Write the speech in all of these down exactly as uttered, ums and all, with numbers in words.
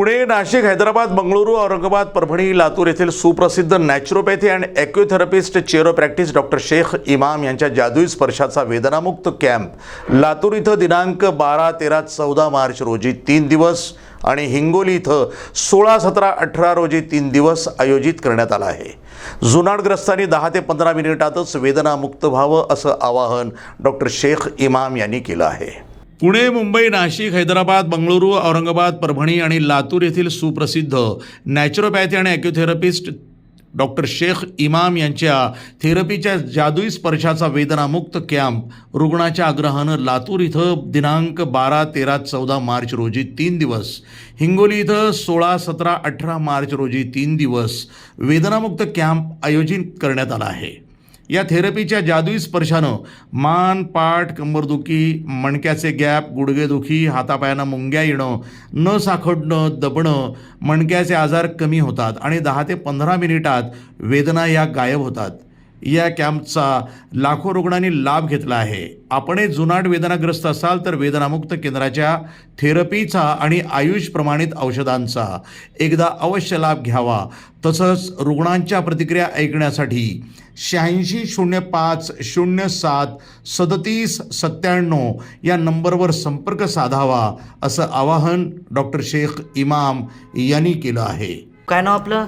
पुणे, नाशिक, हैदराबाद, बंगळुरू, औरंगाबाद, परभणी, लातूर येथील सुप्रसिद्ध naturopathy and acutherapist chiropractic doctor Sheikh Imam यांच्या जादुई स्पर्शाचा वेदनामुक्त कॅम्प लातूर इथं दिनांक बारा तेरा चौदा मार्च रोजी तीन दिवस आणि हिंगोली इथं सोळा सतरा अठरा रोजी तीन दिवस आयोजित करण्यात आला आहे. जुनाडग्रस्तांनी दहा ते पंधरा मिनिटातच वेदनामुक्त व्हावं असं आवाहन डॉक्टर शेख इमाम यांनी केलं आहे. पुणे, मुंबई, नाशिक, हैदराबाद, बंगळुरू, औरंगाबाद, परभणी आणि लातूर येथील सुप्रसिद्ध नॅचरोपॅथी आणि ॲक्युथेरपिस्ट डॉक्टर शेख इमाम यांच्या थेरपीच्या जादुई स्पर्शाचा वेदनामुक्त कॅम्प रुग्णाच्या आग्रहानं लातूर इथं दिनांक बारा तेरा चौदा मार्च रोजी तीन दिवस, हिंगोली इथं सोळा सतरा अठरा मार्च रोजी तीन दिवस वेदनामुक्त कॅम्प आयोजित करण्यात आला आहे. या थेरपीच्या जादुई स्पर्शानं मान, पाठ, कंबरदुखी, मणक्याचे गॅप, गुडघेदुखी, हातापायांना मुंग्या येणं, न साखडणं, दबणं, मणक्याचे आजार कमी होतात आणि दहा ते पंधरा मिनिटात वेदना या गायब होतात. या कॅम्पचा लाखो रुग्णांनी लाभ घेतला आहे. आपणही जुनाट वेदनाग्रस्त असाल तर वेदनामुक्त केंद्राच्या थेरपीचा आणि आयुष प्रमाणित औषधांचा एकदा अवश्य लाभ घ्यावा. तसंच रुग्णांच्या प्रतिक्रिया ऐकण्यासाठी शहाऐंशी शून्य पाच शून्य सात सदतीस सत्त्याण्णव या नंबरवर संपर्क साधावा असं आवाहन डॉक्टर शेख इमाम यांनी केलं आहे. काय नाव आपलं?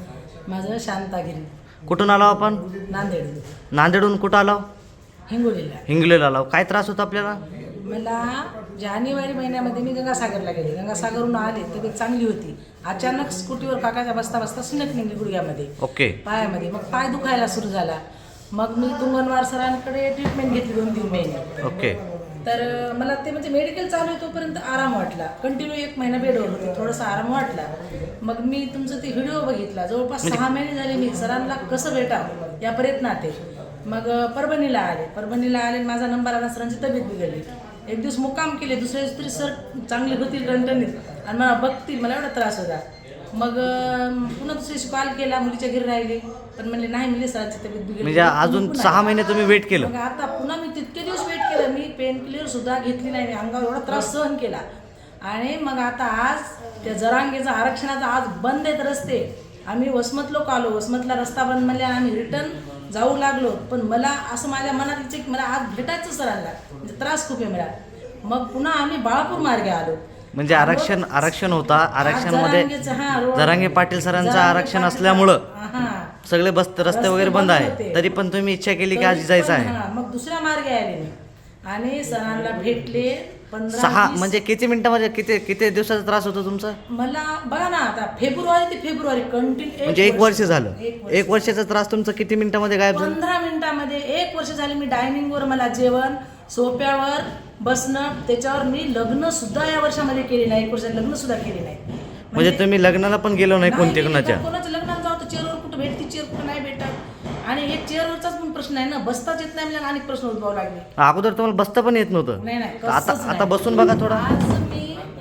माझं शांतागिरी. कुठून आलो आपण? नांदेड. नांदेडहून कुठं आलो? हिंगोलीला. हिंगोलीला आलो. काय त्रास होता आपल्याला? मला जानेवारी महिन्यामध्ये मी गंगासागरला गेले. गंगासागरहून आले, तब्येत चांगली होती. अचानक स्कूटीवर काकाच्या बसता बसता सिनक निघली गुडघ्यामध्ये, ओके, पायामध्ये. मग पाय दुखायला सुरू झाला. मग मी तुंगनवार सरांकडे ट्रीटमेंट घेतली दोन तीन महिने. ओके. तर मला ते म्हणजे मेडिकल चालू आहे तोपर्यंत आराम वाटला. कंटिन्यू एक महिना बेडवर होते, थोडासा आराम वाटला. मग मी तुमचं ते व्हिडिओ बघितला. जवळपास सहा महिने झाले मी सरांना कसं भेटावं या प्रयत्नात आहे. मग परभणीला आले. परभणीला आले, माझा नंबर आला. सरांची तब्येत बिघडली. एक दिवस मुक्काम केले. दुसऱ्या दिवशी तरी सर चांगली होतील रणटणीत आणि मला बघतील, मला एवढा त्रास होता. मग पुन्हा दुसऱ्या दिवशी कॉल केला, मुलीच्या घरी राहिले, पण म्हणले नाही, मुली सरांची तब्येत बिघडली. म्हणजे अजून सहा महिने तुम्ही वेट केलं? मग आता पुन्हा मी तितके दिवस वेट केलं. मी पेन किलर सुद्धा घेतली नाही. मी अंगावर एवढा त्रास सहन केला. आणि मग आता आज त्या जरांगेचा आरक्षणाचा आज बंद आहेत रस्ते. आम्ही वसमत लोक आलो. वसमतला रस्ता बंद म्हणले आम्ही रिटर्न जाऊ लागलो. पण मला असं माझ्या मनात इच्छा की मला आज भेटायचं सरांना, म्हणजे त्रास खूप आहे मला. मग पुन्हा आम्ही बाळापूर मार्गे आलो. म्हणजे आरक्षण आरक्षण होता. आरक्षण मध्ये जरांगे पाटील सरांचं आरक्षण असल्यामुळं सगळे बस रस्ते वगैरे बंद आहे. तरी पण तुम्ही इच्छा केली की आज जायचं आहे. मग दुसऱ्या मार्गे आले मी आणि सरांना भेटले. सहा म्हणजे किती मिनिटामध्ये किती किती दिवसाचा त्रास होतो तुमचा? मला बघा ना, आता फेब्रुवारी ते फेब्रुवारी कंटिन्यू म्हणजे एक वर्ष झालं. एक वर्षाचा त्रास तुमचा किती मिनिटामध्ये गायब झाला? पंधरा मिनिटामध्ये. एक वर्ष झाले मी डायनिंगवर, मला जेवण, सोप्यावर बसणं, त्याच्यावर मी लग्न सुद्धा या वर्षामध्ये केले नाही. एक वर्षात लग्न सुद्धा केले नाही. म्हणजे तुम्ही लग्नाला पण गेलो नाही कोणत्या कोणाच्या? कोणाच्या लग्नात जाऊ तर चेअरवर कुठं भेटते, चेअर कुठं नाही भेटत. आणि एक चेअरवरचाच पण प्रश्न आहे ना, बसताच येत नाही. मला अनेक प्रश्न उद्भवावे लागले. अगोदर तुम्हाला बसता पण येत नव्हतं? नाही नाही, आता आता बसून बघा थोडा. आज मी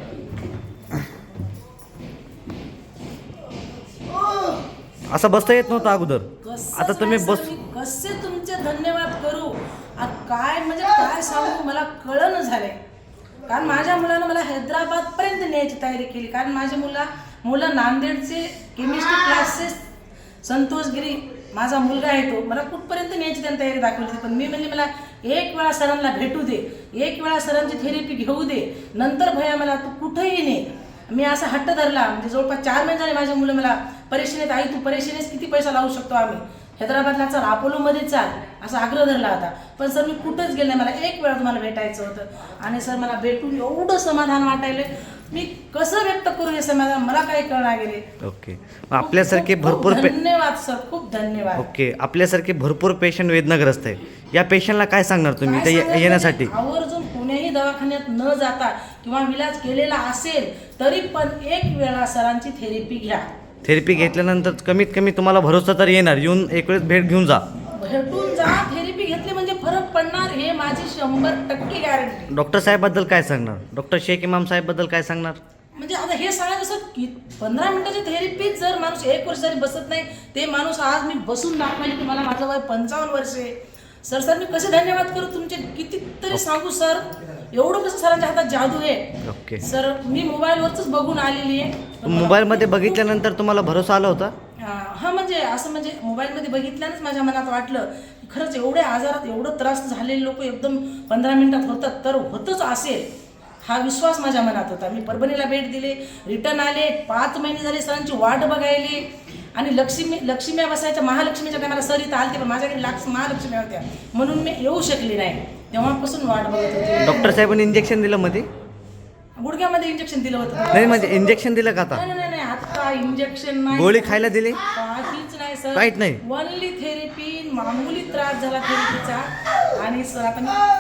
असं बसता येत नव्हतं अगोदर. आता तुम्ही बस. कसे तुमचे धन्यवाद करू, काय म्हणजे काय सांगू मला कळलं झालंय. कारण माझ्या मुलानं मला हैदराबाद पर्यंत न्यायची तयारी केली. कारण माझी मुला मुलं नांदेडचे केमिस्ट्री क्लासेस संतोषगिरी माझा मुलगा आहे, तो मला कुठपर्यंत न्यायची त्यांनी तयारी दाखवली होती. पण मी म्हणजे मला एक वेळा सरांना भेटू दे, एक वेळा सरांची थेरपी घेऊ दे, नंतर भया मला तू कुठेही ने. मी असा हट्ट धरला. म्हणजे जवळपास चार महिने झाले माझी मुलं मला परेशानीत, आई तू परेशानीस किती पैसा लावू शकतो आम्ही, हैदराबादला चाल, अपोलोमध्ये चाल, असा आग्रह धरला होता. पण सर मी कुठंच गेले नाही. मला एक वेळा तुम्हाला भेटायचं होतं. आणि सर मला भेटून एवढं समाधान वाटायलं. मी कसं व्यक्त करू हे समाधान मला काही कळणार गेले. ओके. आपल्यासारखे भरपूर धन्यवाद सर, खूप धन्यवाद. ओके. आपल्यासारखे भरपूर पेशंट वेदनाग्रस्त आहे. या पेशंटला काय सांगणार तुम्ही ते येण्यासाठी? आवर्जून कोण्याही दवाखान्यात न जाता किंवा इलाज केलेला असेल तरी पण एक वेळा सरांची थेरपी घ्या. थेरपी घेतल्यानंतर कमीत कमी तुम्हाला भरोसा तर येणार. येऊन एक वेळेस भेट घेऊन जा. भेटून जा. थेरपी घेतली म्हणजे फरक पडणार, हे माझी शंभर टक्के गॅरंटी. डॉक्टर साहेबबद्दल काय सांगणार? डॉक्टर शेख इमाम साहेबबद्दल काय सांगणार? म्हणजे आता हे सांगायचं सर की पंधरा मिनिटाची थेरपी जर माणूस एक वर्ष जरी बसत नाही, ते माणूस आज मी बसून दाखवायला की मला माझं वय पंचावन्न वर्षे. सर सर मी कसे धन्यवाद करू तुमचे, कितीतरी सांगू सर. एवढं कसं सरांच्या हातात जादू आहे. ओके सर मी मोबाईलवरच बघून आलेली आहे. मोबाईलमध्ये बघितल्यानंतर तुम्हाला भरोसा आला होता? हा म्हणजे असं म्हणजे मोबाईलमध्ये बघितल्यानंच माझ्या मनात वाटलं की खरंच एवढ्या आजारात एवढं त्रास झालेले लोक एकदम पंधरा मिनिटात होतात तर होतच असेल हा विश्वास माझ्या मनात होता. मी परभणीला भेट दिली, रिटर्न आले, पाच महिने झाले सरांची वाट बघायली आणि लक्ष्मी लक्ष्म्या बसायच्या महालक्ष्मीच्या टायमाला सर इथं आलते पण माझ्याकडे लाक्ष महालक्ष्मी होत्या म्हणून मी येऊ शकले नाही. तेव्हापासून वाट बघत होते. डॉक्टर साहेबांनी इंजेक्शन दिलं मध्ये? गुडघ्यामध्ये इंजेक्शन दिलं होतं. नाही म्हणजे इंजेक्शन दिलं का आता? नाही नाही नाही आता इंजेक्शन नाही, गोळी खायला दिली? काहीच नाही सर, काहीच नाही. Only therapy. मामूली त्रास झाला थेरपीचा आणि सर आता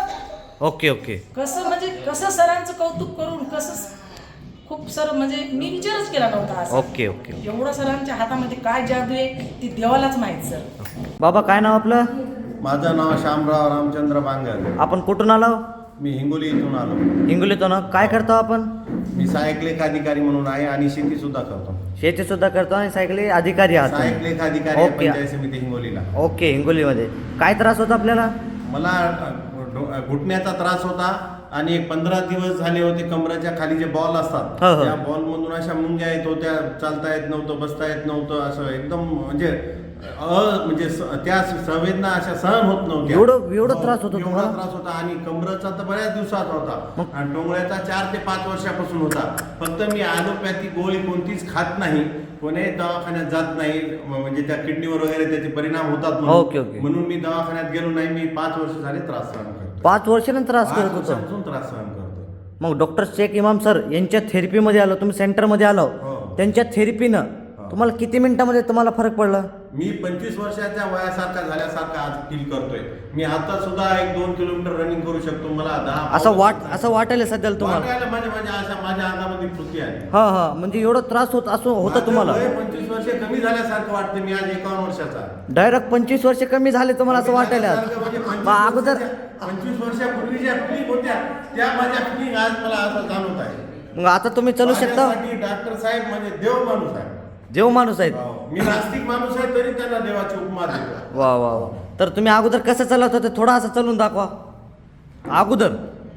मी ओके ओके. कसं म्हणजे कसं सरांचं कौतुक करून कसं खूप सर म्हणजे मी विचारच केला नव्हता असं. Okay okay. एवढं सरांच्या हातामध्ये काय जादू आहे ती देवालाच माहित सर. बाबा काय नाव आपलं? माझं नाव शामराव रामचंद्र बांगर. आपण कुठून आलो? मी हिंगोली इथून आलो. हिंगोलीतून. काय करतो आपण? मी सहाय्यक लेख अधिकारी म्हणून आहे आणि शेती सुद्धा करतो. शेती सुद्धा करतो आणि सायकली अधिकारी आहात. सहाय्यक लेख अधिकारी आहे ओके. पंचायत समिती हिंगोलीला. ओके. हिंगोलीमध्ये काय त्रास होता आपल्याला? मला अ, डो- घुटण्याचा त्रास होता आणि एक पंधरा दिवस झाले होते. कमराच्या खाली जे बॉल असतात हो, हो. त्या बॉल मधून अशा मुंग्या येत होत्या, चालता येत नव्हतं, बसता येत नव्हतं, असं एकदम म्हणजे अ म्हणजे स- त्या संवेदना अशा सहन होत नव्हत्या. एवढं- एवढं त्रास होता एवढा तुम्हाला? त्रास होता आणि कमरेचा तर बऱ्याच दिवसात होता आणि टोंगळ्याचा चार ते पाच वर्षापासून होता. फक्त मी ॲलोपॅथी गोळी कोणतीच खात नाही, कोणत्याही दवाखान्यात जात नाही, म- म्हणजे त्या किडनीवर वगैरे त्याचे परिणाम होतात म्हणून. Okay, okay. म्हणून मी दवाखान्यात गेलो नाही. मी पाच वर्ष झाले त्रास सहन करतो. पाच वर्षानं त्रास पाच करत होतो. वर्षापासून त्रास सहन करतो. मग डॉक्टर शेख इमाम सर यांच्या थेरपीमध्ये आलो, तुम्ही सेंटरमध्ये आलो, हो. त्यांच्या थेरपीनं तुम्हाला किती मिनिटामध्ये तुम्हाला फरक पडला? मी पंचवीस वर्षाच्या वयासारखा झाल्यासारखा आज फील करतोय. मी आता सुद्धा एक दोन किलोमीटर रनिंग करू शकतो. मला दहा असं वाट असं वाटायला सध्याला तुम्हाला? वाटायला म्हणजे म्हणजे अशा माझ्या अंगामध्ये कृती आहे. हा हा म्हणजे एवढा त्रास होत असं होतं माझं तुम्हाला? वय पंचवीस वर्ष कमी झाल्यासारखं वाटतं. मी आज एकावन्न वर्षाचा आहे. डायरेक्ट पंचवीस वर्ष कमी झाले तुम्हाला असं वाटायला? म्हणजे मग अगोदर पंचवीस वर्षापूर्वी ज्या फिलिंग होत्या त्या माझ्या फिलिंग आज मला असं जाणवत आहे. मग आता तुम्ही चालू शकता? माझ्यासाठी डॉक्टर साहेब म्हणजे देव माणूस आहे. देव माणूस आहेत. हो. मी नास्तिक माणूस आहे तरी त्यांना देवाची उपमा देतो. वा वा वा. तर तुम्ही अगोदर कसं चालत होते थोडा असं चालून दाखवा. अगोदर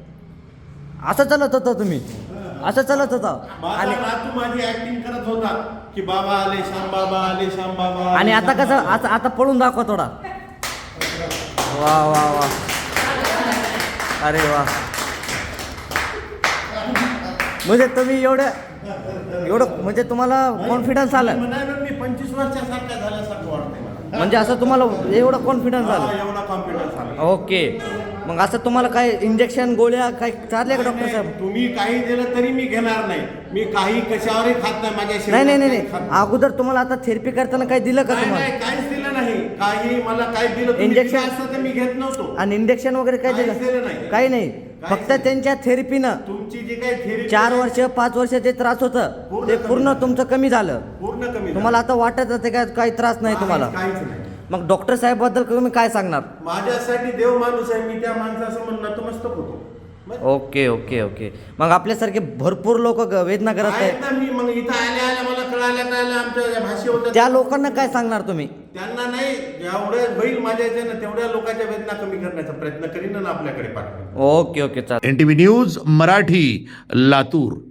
असं चालत होता तुम्ही? असं चालत होता माझा आणि नातू माझी ऍक्टिंग करत होता की बाबा आले श्याम बाबा आले श्याम बाबा आले, आणि आता श्याम कसं बाबा. आता आता पळून दाखवा थोडा. वा वा वा. अरे वा. म्हणजे तुम्ही एवढं एवढं म्हणजे तुम्हाला कॉन्फिडन्स आला? मी म्हणालो मी पंचवीस वर्षासारखा झाल्यासारखं वाटतंय मला. म्हणजे असं तुम्हाला एवढं कॉन्फिडन्स हा, आलं? एवढा कॉन्फिडन्स आला. ओके. मग असं तुम्हाला काय इंजेक्शन गोळ्या काय चालले का डॉक्टर साहेब? तुम्ही काही दिलं तरी मी घेणार नाही. मी काही कशावरही खात नाही. माझ्या नाही नाही शरीरात नाही काही खात नाही. अगोदर तुम्हाला आता थेरपी करताना काय दिलं का नाही, तुम्हाला? नाही, काहीच दिलं नाही. काही मला काय दिलं तुम्ही Injection? दिलं असतं तर मी घेत नव्हतो. आणि इंजेक्शन वगैरे काय काहीच दिलं दिलं? नाही. काही नाही. काहीच फक्त नाही. त्यांच्या थेरपीनं तुमची जी काही थेरी चार वर्ष पाच वर्ष जे त्रास होतं पूर्ण ते कमी पूर्ण झालं. तुमचं कमी झालं. पूर्ण कमी तुम्हाला आता वाटत होते काय काही त्रास नाही झालं. तुम्हाला? काहीच नाही. मग डॉक्टर साहेब बद्दल तुम्ही काय सांगणार? माझ्यासाठी देव माणूस आहे. मी त्या माणसासमोर नतमस्तक होतो. बस. Okay okay okay. मग आपल्यासारखे भरपूर लोक वेदना करत आहेत आहेत. ना. मी मग इथं आल्या आल्या मला कळाल्या कळाल्या आमच्या ज्या भाषे होत्या त्या लोकांना काय सांगणार तुम्ही? त्यांना नाही जेवढ्या होईल माझ्या याच्यानं तेवढ्या लोकांच्या वेदना कमी करण्याचा प्रयत्न करीन आणि आपल्याकडे पाठवेन. ओके ओके चालेल. N T V news Marathi, Latur.